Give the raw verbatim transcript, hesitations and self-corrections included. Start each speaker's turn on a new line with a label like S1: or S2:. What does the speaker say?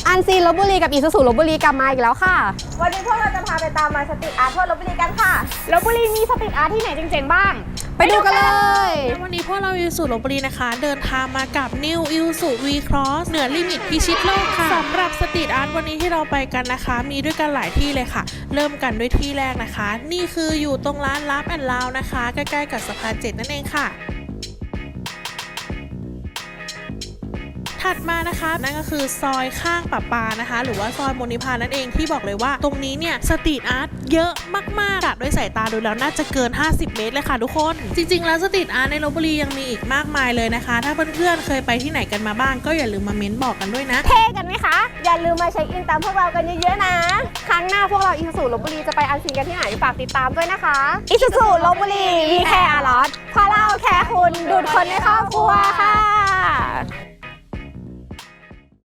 S1: อันซีนลพบุรีกับอีซูซูลพบุรีกลับมาอีกแล้วค่ะ
S2: วันนี้พวกเราจะพาไปตามมาสตรีทอาร์ตทั่วลพบุรีกันค่ะ
S1: ลพบุรีมีสตรีทอาร์ตที่ไหนเจ๋งๆบ้างไปดูกันเลย
S3: วันนี้พวกเราอีซูซูลพบุรีนะคะเดินทางมากับ New อีซูซู V Cross เหนือลิมิตพิชิตโลกค่ะสำหรับสตรีทอาร์ตวันนี้ที่เราไปกันนะคะมีด้วยกันหลายที่เลยค่ะเริ่มกันด้วยที่แรกนะคะนี่คืออยู่ตรงร้านลับแอนด์ลาวนะคะใกล้ๆกับสะพานเจ็ดนั่นเองค่ะถัดมานะคะนั่นก็คือซอยข้างป่าปานะคะหรือว่าซอยมณิพานั่นเองที่บอกเลยว่าตรงนี้เนี่ยสตรีทอาร์ตเยอะมากๆกะด้วยสายตาดูแล้วน่าจะเกินห้าสิบเมตรเลยค่ะทุกคนจริงๆแล้วสตรีทอาร์ตในลพบุรียังมีอีกมากมายเลยนะคะถ้าเพื่อนๆเคยไปที่ไหนกันมาบ้างก็อย่าลืมมาเม้นบอกกันด้วยนะ
S1: เท่กันไหมคะ
S2: อย่าลืมมาเช็คอินตามพวกเรากันเยอะๆนะ
S1: ครั้งหน้าพวกเราอีซูซูลพบุรีจะไปอันซีนกันที่ไหนฝากติดตามด้วยนะคะ
S2: อีซูซูลพบุรีวีแคร์อาร์ลอสเพราะเราแคร์คุณดูดคนในครอบครัวค่ะ